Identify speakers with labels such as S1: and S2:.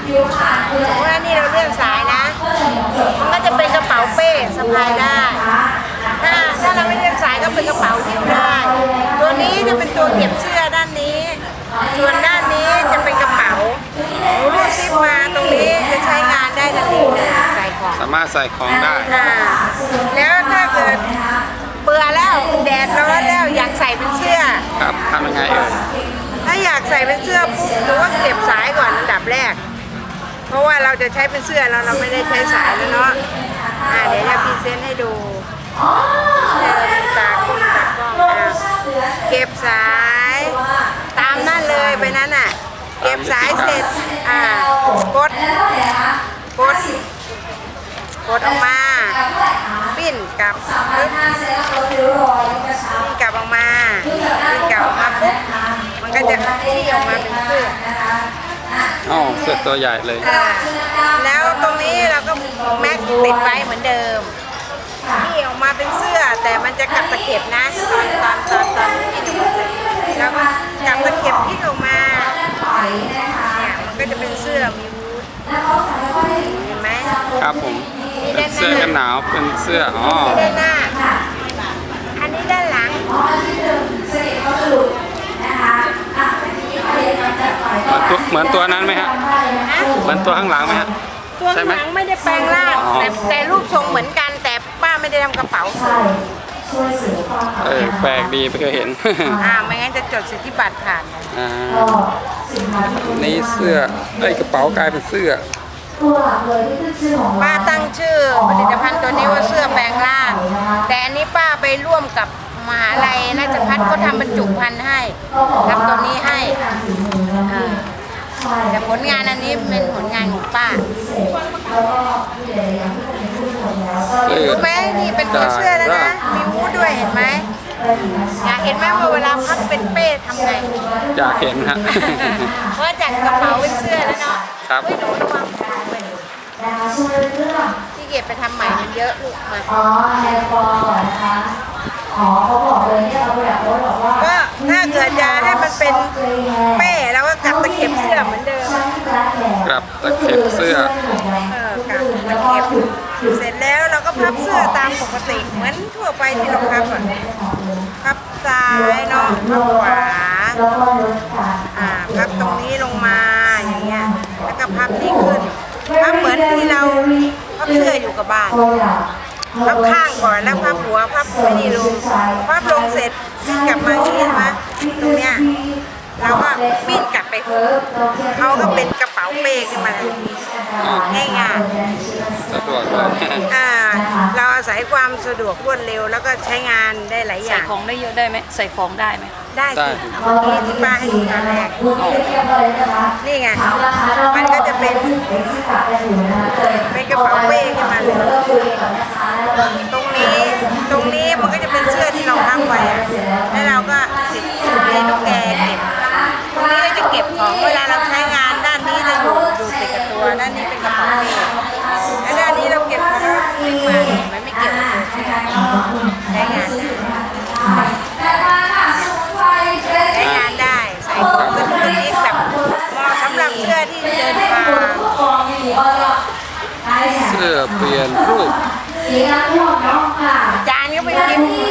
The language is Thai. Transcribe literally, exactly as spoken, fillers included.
S1: เพราะว่านี่เราเลื่อนสายนะมันก็จะเป็นกระเป๋าเป้สะพายได้ถ้าถ้าเราไม่เลื่อนสายก็เป็นกระเป๋าหิ้วได้ตัวนี้จะเป็นตัวเก็บเสื้อด้านนี้ส่วนด้านนี้จะเป็นกระเป๋ารูดซิปมาตรงนี้จะใช้งานได้ทันทีเลยใส่ของ
S2: สามารถใส่ของได้
S1: แล้วถ้าเกิดเบื่อแล้วแดดร้อนแล้วอยากใส่เป็นเสื้อ
S2: ครับทำยังไงเอ่ย
S1: ถ้าอยากใส่เป็นเสื้อปุ๊บหรือว่าเก็บสายก่อนอันดับแรกเพราะว่าเราจะใช้เป็นเสื้อแล้วเราไม่ได้ใช้สายแล้วเนาะอ่าเดี๋ยวจะพรีเซนต์ให้ดูเดินตากล้องตากล้องเก็บสายตามนั่นเลยไปนั้นอ่ะเก็บสายเสร็จอ่ากดกดกดออกมาปิ้นกลับปิ้นกลับออกมาปิ้นกลับออกมาปุ๊บมันก็จะที่ออกมาเป็นเสื้อ
S2: อ๋อเสื้อตัวใหญ่เลย
S1: แล้วตรงนี้เราก็แม็กติดไว้เหมือนเดิมที่ออกมาเป็นเสื้อแต่มันจะกลับตะเข็บนะตอนตอนตอนตอนที่ดูแล้วก็กลับตะเข็บที่ออกมาเนี่ยมันก็จะเป็นเสื้อมีวูดเห็นไหม
S2: ครับผมเป็นเสื้อกันหนาวเป็นเสื้ออ๋อ
S1: ด้านหน้าอันนี้ด้านหลัง
S2: เหมือนตัวนั้นไหมฮะเหมือนตัวข้างหลังไหมฮะ
S1: ตัวข้างหลังไม่ได้แปลงร่างแต่แต่รูปทรงเหมือนกันแต่ป้าไม่ได้ทำกระเป๋า
S2: เออแปลกดีไม่เคยเห็น
S1: อ่าไม่งั้นจะจดสิทธิบัตรผ่าน
S2: อ่านี่เสื้อไอ้กระเป๋ากลายเป็นเสื้อ
S1: ป้าตั้งชื่อผลิตภัณฑ์ตัวนี้ว่าเสื้อแปลงร่างแต่อันนี้ป้าไปร่วมกับมหาลัยราชภัฏเขาทำบรรจุภัณฑ์ให้ทำตัวนี้ให้แต่ผลงานอันนี้เป็นผลงานของป้ารู้ไหมนี่เป็นตัวเสื้อแล้วนะมีวูดด้วยเห็นไหมอยากเห็นไหมว่าเวลาพับเป็นเป้ทำไง
S2: อยากเห็นฮะ
S1: เพราะจากกระเป๋าเป็นเสื้อแล้วเนาะ
S2: ครับ
S1: ไม่หนูระวังที่เก็บไปทำใหม่มันเยอะลูกมา
S3: อ๋อแฮร์ฟอร์นะคะอ๋อเขาบอกเลยเนี่ยเราอยากรู้บอกว่า
S1: ก็ถ้าเกิดจะให้มันเป็นเป้แล้วก็กลับตะเข็บเสื้อเหมือนเดิม
S2: กลับตะเข็บเสื้อ
S1: เออกลับตะเข็บเสร็จแล้วเราก็พับเสื้อตามปกติเหมือนทั่วไปที่เราพับอ่ะพับซ้ายเนาะพับขวาอ่าพับตรงนี้ลงมาอย่างเงี้ยแล้วก็พับนี้ขึ้นพับเหมือนที่เราพับเสื้ออยู่กับบ้านพับข้างก่อนแล้วพับหัวพับไม่ดีลงพับลงเสร็จปิ้นกลับมาอย่างนี้นะตรงเนี้ยเราก็ปิ้นกลับไปเขาก็เป็นกระเป๋าเป้ขึ้นมาเลยง่ายง่าย
S2: สะดวกเลย
S1: อ่าเราอาศัยความสะดวกรวดเร็วแล้วก็ใช้งานได้หลายอย่าง
S4: ใส่ของได้เยอะได้ไหมใส่ของได้ไหม
S1: ได้สินี่ที่ป้าให้ดูตอนแรกนี่ไงมันก็จะเป็นเป็นกระเป๋าเป้ขึ้นมาเลยตรงนี้ตรงนี้มันก็จะเป็นเสื้อที่เราพับไว้แล้วเราก็ติดในตุ๊กแก